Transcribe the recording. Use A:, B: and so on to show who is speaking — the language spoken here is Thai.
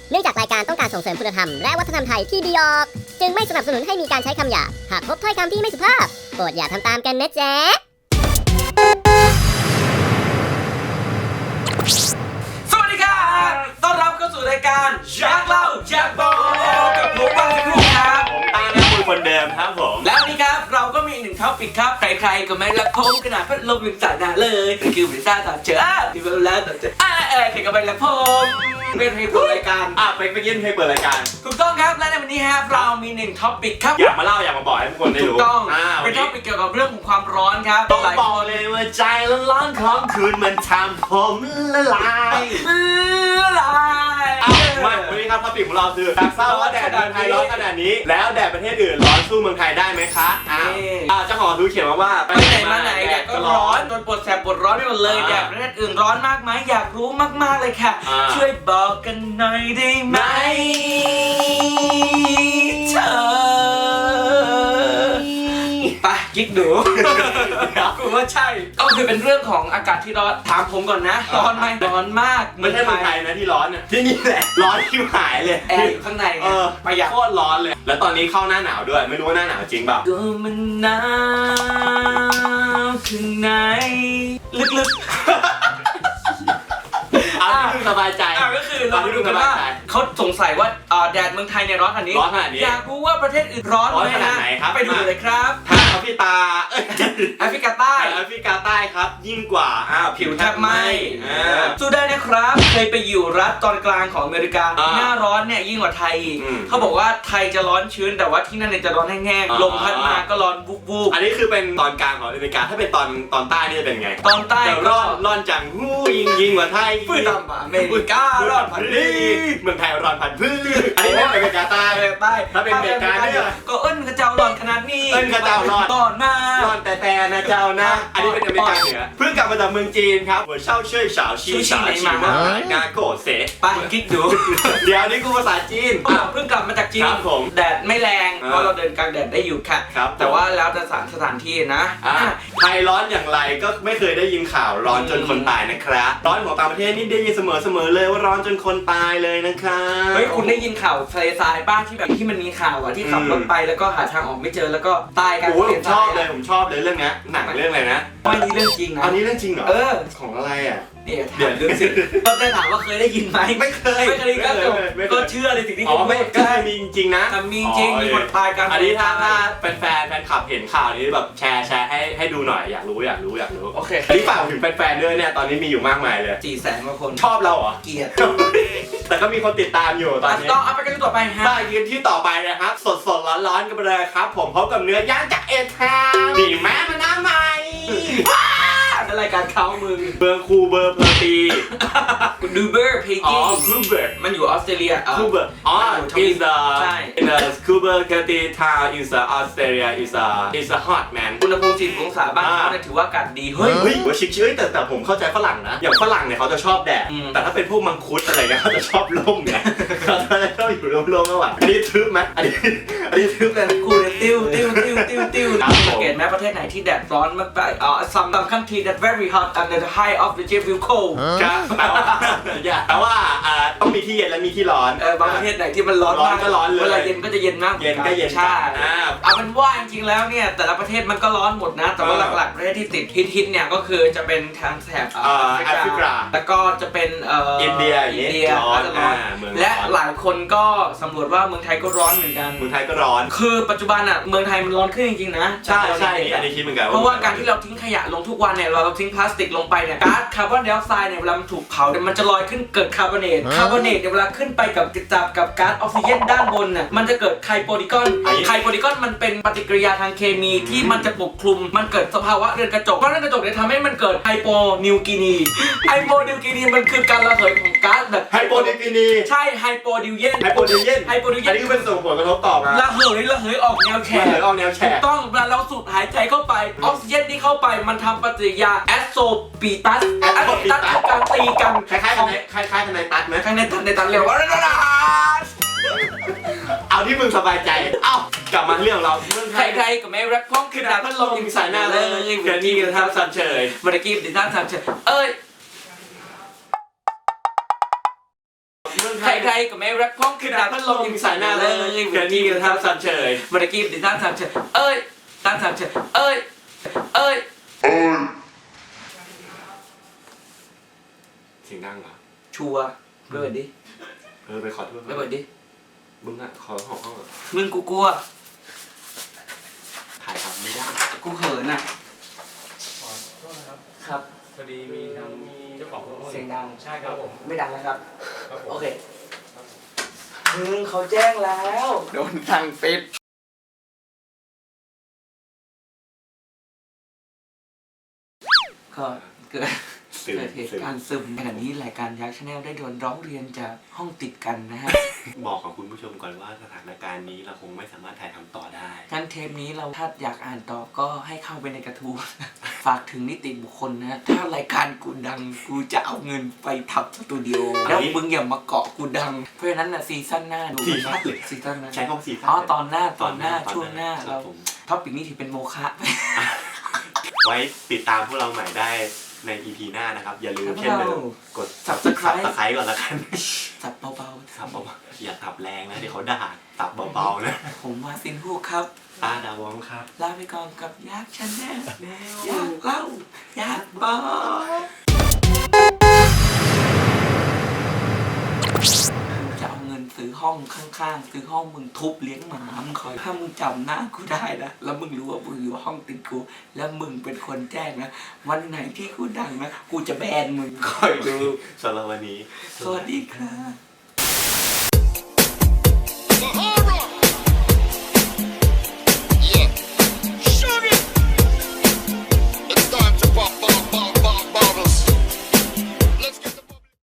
A: เนื่องจากรายการต้องการส่งเสริมคุณธรรมและวัฒนธรรมไทยที่ดีออกจึงไม่สนับสนุนให้มีการใช้คำหยาบหากพบถ้อยคำที่ไม่สุภาพโปรดอย่าทำตามกันนะจ๊ะ
B: สวัสดีครับต้อนรับเข้าสู่รายการอยากเล่าอยากบอกกับผมบางสิลูกครับ
C: ผมตาหน้าคุยคนเดิมครับผม
B: แล้วนี่ครับเราก็มีหนึ่งท็อปิกครับใครๆก็ไม่รักผมขนาดพัดลมยังสั่นเลยคือวิซ่าต่อเจอที่เวลาต่อเจอใครก็ไม่รักผมเป็นเพลงเปิดรายการ
C: ไปยินเพลงเปิดรายการ
B: ถูกต้องครับและในวันนี้ครับเรามีหนึ่งท็อปิกครับ
C: อยากมาเล่าอยากมาบอกให้ทุกคนได้รู้
B: ถูกต้องเป็นท็อปิกเกี่ยวกับเรื่องของความร้อนครับ
C: ต้องบอกเลยว่าใจร้อนของคืนมันทำผมละลายมาวันนี้ครับท็อปิกของเราคืออยากทราบว่าแดดเมืองไทยร้อนขนาดนี้แล้วแดดประเทศอื่นร้อนสู้เมืองไทยได้ไหมคะเจ้าของดูเขียนมาว่า
B: ไปไหนมาไหนแดดก็ร้อนจนปวดแสบปวดร้อนไปหมดเลยแดดประเทศอื่นร้อนมากไหมอยากรู้มากๆเลยค่ะช่วยบอกกันหน่อยได้ไหมเธอไปกิ๊กดูกูว่าใช่ก็คือเป็นเรื่องของอากาศที่ร้อนถามผมก่อนนะร้อนไหมร้อนมาก
C: ไม่ใช่เมืองไทยนะที่ร้อนเนี่ยที่นี่แหละร้อนที่หายเลย
B: แอร์อยู่ข้างใน
C: ประหยัดโคตรร้อนเลยแล้วตอนนี้เข้าหน้าหนาวด้วยไม่รู้ว่าหน้าหนาวจริงเปล่า
B: ก็มันหนาวข้างในลึกๆ
C: ที่สบายใจ
B: ก็คือเราดูกันว่าเขาสงสัยว่าแดดเมืองไทยเนี่ยร้อนขนาดนี้อยากรู้ว่าประเทศอื่นร้อนไหมนะไปดูเลยครับ
C: ทางแอฟริกา
B: แอฟริกาใต้
C: ครับยิ่งกว่า
B: ผิวแทบไหม้สู้ได้นะครับเคยไปอยู่รัฐตอนกลางของอเมริกาหน้าร้อนเนี่ยยิ่งกว่าไทยเขาบอกว่าไทยจะร้อนชื้นแต่ว่าที่นั่นเนี่ยจะร้อนแห้งๆลมพัดมาก็ร้อนวูบ
C: อันนี้คือเป็นตอนกลางของอเมริกาถ้าเป็นตอนใต้นี่จะเป็นไง
B: ตอนใต้
C: ร้อนจังยิ่งกว่าไทย
B: อเมริการ้อนผัดดี
C: เมืองไทยร้อนผัดพื้นอันนี้เป็นอเมริกาใต้ถ้าเป็นอเมริกาเนี่ย
B: ก็กระเจ้าร้อนขนาดนี้
C: กระเจ้าร้อน
B: ตอนหน้า
C: ร้อนแต่นะเจ้านะอันนี้เป็นอเมริกาเหนือเพิ่งกลับมาจากเมืองจีนครับหัวเช่าเช่ยสาวชีมางาโกเส
B: ไปกิ๊กดู
C: เดี๋ยวนี้กูภาษาจีน
B: เพิ่งกลับมาจากจีนแดดไม่แรงเพราะเราเดินกลางแดดได้อยู่ค่ะแต่ว่าแล้วแต่สถานที่นะ
C: ไทยร้อนอย่างไรก็ไม่เคยได้ยินข่าวร้อนจนคนตายนะครับร้อนของต่างประเทศนี่ได้ยินเสมอเลยว่าร้อนจนคนตายเลยนะครับ
B: เฮ้ยคุณได้ยินข่าวทะเลทรายบ้างที่แบบที่มันมีข่าวที่ขับรถไปแล้วก็หาทางออกไม่เจอแล้วก็ตายกัน
C: ผมชอบเลยเรื่องนี้หนังเรื่องอะไรนะ
B: อันนี้เรื่องจริงนะ
C: อันนี้เรื่องจริงเหรอของอะไร
B: เดี๋ยวเรื่องสิก็ได้ถามว่าเคยได้ยินไหม
C: ไม่เคย
B: ก็เชื่อในสิ่งที่คุณ
C: พูดก็มีจริงนะ
B: มีจริงมีคนตายกัน
C: อันนี้ถ้าแฟนคลับเห็นข่าวนี้แบบแชร์ให้ดูหน่อยอยากรู้
B: โอเค
C: อันนี้ฝากถึงแฟนๆด้วยเนี่ยตอนนี้มีอยู่มากมายเลย
B: 400,000 กว่าคน
C: ชอบเราเหรอ
B: เกลียด
C: แต่ก็มีคนติดตามอยู่ตอนนี้
B: ต้องเอาไปกันต่อไปฮะ
C: ยืนที่ต่อไปนะครับสดร้อนกันไปเลยครับผมพบกับเนื้อย่างจากเอทามดีแม่มันน้ำใหม่
B: รายการเขามึง
C: เบอร์คูเบอร์เพอร์ตี
B: ดูเบอร์เพกี้
C: คูเบอร์
B: มันอยู่ออสเตรเลีย
C: คูเบอร์is the Scuba Gertie town is Australia is a hot man
B: อุณหภูมิ40 องศาบ้านเขาเนี่ยถือว่าอากาศดี
C: เฮ้ยชิคๆแต่ผมเข้าใจฝรั่งนะอย่างฝรั่งเนี่ยเขาจะชอบแดดแต่ถ้าเป็นพวกมังคุดอะไรเนี่ยเขาจะชอบร่มไงเขาจะชอบอยู่ร่มๆมากกว่าอันนี้ทึบไหมอันนี้ทึบเลย
B: กูเนี่ยติ้วสังเกตไหมประเทศไหนที่แดดร้อนมากไปsome country that very hot and the high of the jet will cold
C: แต่ว่าต้องมีที่เย็นและมีที่ร้อน
B: บางประเทศไหนที่มันร้อนมาก
C: ก็ร้อนเลย
B: เวลาเย็นก็จะเย็นมากใช่เอาเป็นว่าจริงๆแล้วเนี่ยแต่ละประเทศมันก็ร้อนหมดนะแต่ว่าหลักๆประเทศที่ติดฮิตเนี่ยก็คือจะเป็นทางแถบ
C: แอฟริกา
B: แล้วก็จะเป็น
C: อินเดีย
B: ร้อนและหลายคนก็สำรวจว่าเมืองไทยก็ร้อนเหมือนกัน
C: เมืองไทยก็ร้อน
B: คือปัจจุบันเมืองไทยมันร้อนขึ้นจริงๆนะ
C: ใช่อันนี้คิดเหมือนกัน
B: เพราะว่าการที่เราทิ้งขยะลงทุกวันเนี่ยเราทิ้งพลาสติกลงไปเนี่ยก๊าซคาร์บอนไดออกไซด์เนี่ยเวลามันถูกเผาเนี่ยมันจะลอยขึ้นเกิดคาร์บอเนตเนี่ยเวลาขึ้นไปกับจับกับก๊าซออกซิเจนด้านบนน่ะมันจะเกิดไคโปดิกอนมันเป็นปฏิกิริยาทางเคมีที่มันจะปกคลุมมันเกิดสภาวะเรือนกระจกเพราะเรือนกระจกเนี่ยทำให้มันเกิดไฮโปนิวกินีมันคือการระเหยของก๊าซแบบ
C: ไฮโปนิวกินี
B: ใช่ไฮโปดิวเยน
C: อันนี้ก็เป็นส่งผลกระทบต่อมา
B: ระเหยออกแนวแฉกต้องเวลาเราสูดหายใจเข้าไปออกซิเจนที่เข้าไปมันทำปฏิกิริยาแอสโซปีตัสคือการตีกัน
C: คล้ายๆในตัดไหม
B: ในตัดเร็ว
C: เอาที่มึงสบายใจกลับมาเรื่องเราเมือง
B: ไทยก็ไม่รักพ้องคือดาพัดลมยังใส่หน้าเลย
C: เดี๋ยวนี้กันทำสันเฉย
B: เมื่อกี้ดิท่านสันเฉย
C: เมืองไท
B: ใค
C: ย
B: รๆก็ไม่รักพ้องคือดาพัดลมยิงสายหน้าเลย
C: เดี๋ยวนี้กันทำสันเฉย
B: เมื่อกี้ดิท่านสามเฉยเอ้ยท่านสามเฉยเอ้ย
C: เสียงดังเหรอ
B: ชัวร์ไปเปิดดิ
C: ไปขอโทษ
B: ไปเปิดดิ
C: มึงอ่ะขอห้องเหรอ
B: มึงกูกลัว
C: ถ่ายทำไม่ได้
B: กูเขินอ่ะ
D: ขอโทษนะครับ
B: ครับ
D: พอดีมีเจ้าของรถ
B: เสียงดัง
D: ใช่ครับผม
B: ไม่ดังนะครับ
D: ครับผม
B: โอเคเขาแจ้งแล้วโดนทางปิดก็เกิดเหตุการณ์ซึมขณะนี้รายการยักษ์ชาแนลได้โดนร้องเรียนจากห้องติดกันนะฮะ
C: บอกกับคุณผู้ชมก่อนว่าสถานการณ์นี้เราคงไม่สามารถถ่ายทำต่อได้
B: งั้นเทปนี้เราถ้าอยากอ่านต่อก็ให้เข้าไปในกระทู้ ฝากถึงนิติบุคคลนะ ถ้ารายการกูดังกูจะเอาเงินไปทับสตูดิโอแล้วมึงอย่ามาเกาะกูดัง เพราะฉะนั้นนะซีซั่นหน้าดู
C: ซีซั่น
B: ซีซั่นหน้า
C: ใช้คำสี
B: อ๋อตอนหน้าช่วงหน้า
C: ครั
B: เรา
C: บผม
B: ท็อปิกนี้ถือเป็นโมฆะ
C: ไว้ติดตามพวกเราใหม่ได้ใน EP หน้านะครับ อย่าลืม
B: ครับ
C: เช่นเดิมกด
B: Subscribe
C: ตะไคร้ก่อนละกัน
B: สับเบา
C: สับเบาๆอย่าตับแรงนะเดี๋ยวเขาด่าตับเบาๆนะ
B: ๆผมมาซินฮูกครับ
C: ตาดาวองครับ
B: ลาไปก่อนกับยักษ์ชาแนลอยากเล่าอยากบอกจะเอาเงินซื้อห้องข้างๆซื้อห้องมึงทุบเลี้ยงหมามึงคอยถ้ามึงจำหน้ากูได้นะแล้วมึงรู้ว่ามึงอยู่ห้องติดกูแล้วมึงเป็นคนแจ้งนะวันไหนที่กูดังนะกูจะแบนมึงคอยดู
C: สำหรับวันนี้
B: สวัสดีครับ